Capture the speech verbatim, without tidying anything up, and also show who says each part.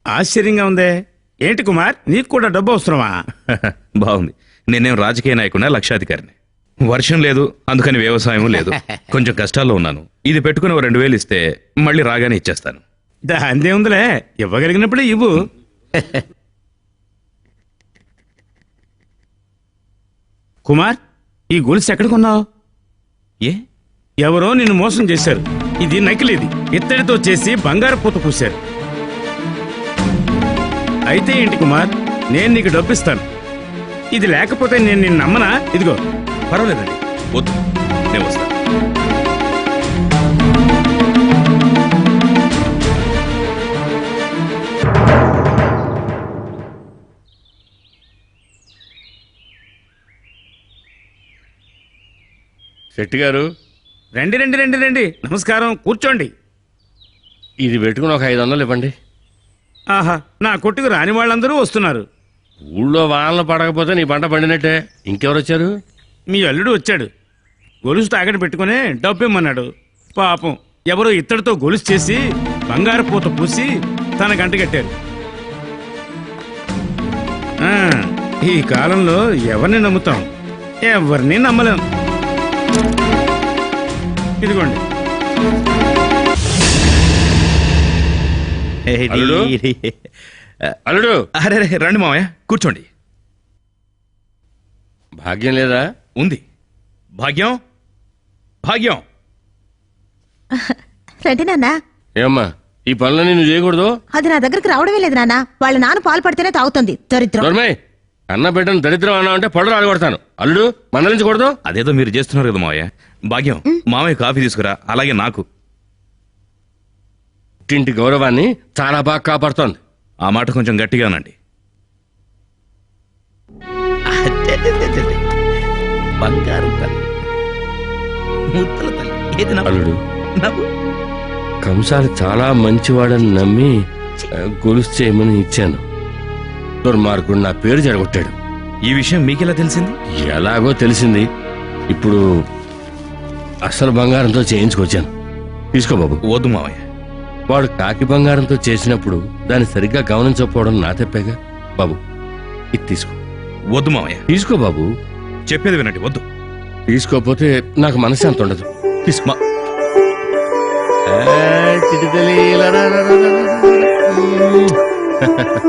Speaker 1: ఆశ్చర్యంగా ఉందే. ఏంటి కుమార్, నీకు కూడా డబ్బు అవసరమా?
Speaker 2: బాగుంది. నేనేం రాజకీయ నాయకున్నా, లక్షాధికారిని. వర్షం లేదు, అందుకని వ్యవసాయం లేదు. కొంచెం కష్టాల్లో ఉన్నాను. ఇది పెట్టుకుని ఓ రెండు వేలు ఇస్తే మళ్ళీ రాగానే ఇచ్చేస్తాను.
Speaker 1: దాందే ఉందిలే, ఇవ్వగలిగినప్పుడే ఇవ్వు. కుమార్, ఈ గొలుసు ఎక్కడ కొన్నావు?
Speaker 2: ఏ
Speaker 1: ఎవరో నిన్ను మోసం చేశారు. ఇది నకిలీది, ఇత్తడితో చేసి బంగారు పూత పూశారు. అయితే ఏంటి కుమార్, నేను నీకు డబ్బిస్తాను. ఇది లేకపోతే నేను నిన్ను నమ్మనా? ఇదిగో.
Speaker 2: పర్వాలేదండి, వద్దు, నేను వస్తాను.
Speaker 3: శెట్టి గారు,
Speaker 1: రండి రండి రండి రండి. నమస్కారం, కూర్చోండి.
Speaker 3: ఇది పెట్టుకుని ఒక ఐదు వందలు ఇవ్వండి.
Speaker 1: ఆహా, నా కొట్టుకు రాని వాళ్ళందరూ వస్తున్నారు.
Speaker 3: ఊళ్ళో వానలు పడకపోతే నీ పంట పండినట్టే. ఇంకెవరు వచ్చారు?
Speaker 1: మీ అల్లుడు వచ్చాడు. గొలుసు తాకట్టు పెట్టుకుని డబ్బు ఇమ్మన్నాడు. పాపం, ఎవరో ఇత్తడితో గొలుసు చేసి బంగారు పూత పూసి తన గంట కట్టారు. ఆ, ఈ కాలంలో ఎవరిని నమ్ముతాం? ఎవరిని నమ్మలేం. ఇదిగోండి.
Speaker 3: అల్లుడు? అల్లుడు,
Speaker 2: అరే రే, రండి మామయ్య, కూర్చోండి.
Speaker 3: భాగ్యం లేదా?
Speaker 2: ఉంది. భాగ్యం, భాగ్యం.
Speaker 4: రండి నాన్న.
Speaker 3: ఏమ్మా, ఈ పనులన్నీ నువ్వు చేయకూడదు.
Speaker 4: అది నా దగ్గరికి రావడమే లేదు నాన్న. వాళ్ళ నాన్న పాలు పడితేనే తాగుతుంది. దరిద్రం.
Speaker 3: దొరమే, అన్న బిడ్డను దరిద్రం అన్నా అంటే పళ్ళు రాలగొడతాను. అల్లుడు, మందలించకూడదు.
Speaker 2: అదేదో మీరు చేస్తున్నారు కదా మావయ్య. భాగ్యం, మామయ్య కాఫీ తీసుకురా. అలాగే నాకు.
Speaker 3: ఇంటి గౌరవాన్ని చాలా బాగా కాపాడుతోంది.
Speaker 2: ఆ మాట కొంచెం గట్టిగానండి. బంగారు తల్లి, ముద్దల తల్లి, ఏది నవ్వు?
Speaker 3: అల్లుడు,
Speaker 2: నవ్వు.
Speaker 3: కంసాలి చాలా మంచివాడని నమ్మి ఆ, గొలుసు చేయమని ఇచ్చాను. దుర్మార్గుడు నా పేరు జరగొట్టాడు.
Speaker 2: ఈ విషయం మీకెలా తెలిసింది?
Speaker 3: ఎలాగో తెలిసింది. ఇప్పుడు అసలు బంగారంతో చేయించుకొచ్చాను. తీసుకో బాబు.
Speaker 2: వద్దు మావయ్య.
Speaker 3: వాడు కాకి బంగారంతో చేసినప్పుడు దాన్ని సరిగ్గా గమనించకపోవడం నా తప్పేగా. బాబు, ఇది తీసుకో.
Speaker 2: వద్దు మావయ్య.
Speaker 3: తీసుకో బాబు.
Speaker 2: చెప్పేది వినండి, వద్దు.
Speaker 3: తీసుకోపోతే నాకు మనశ్శాంతి ఉండదు. తీసుకో.
Speaker 2: మా-
Speaker 3: చిటితల్లి, ఇలా రా, రా, రా, రా, రా.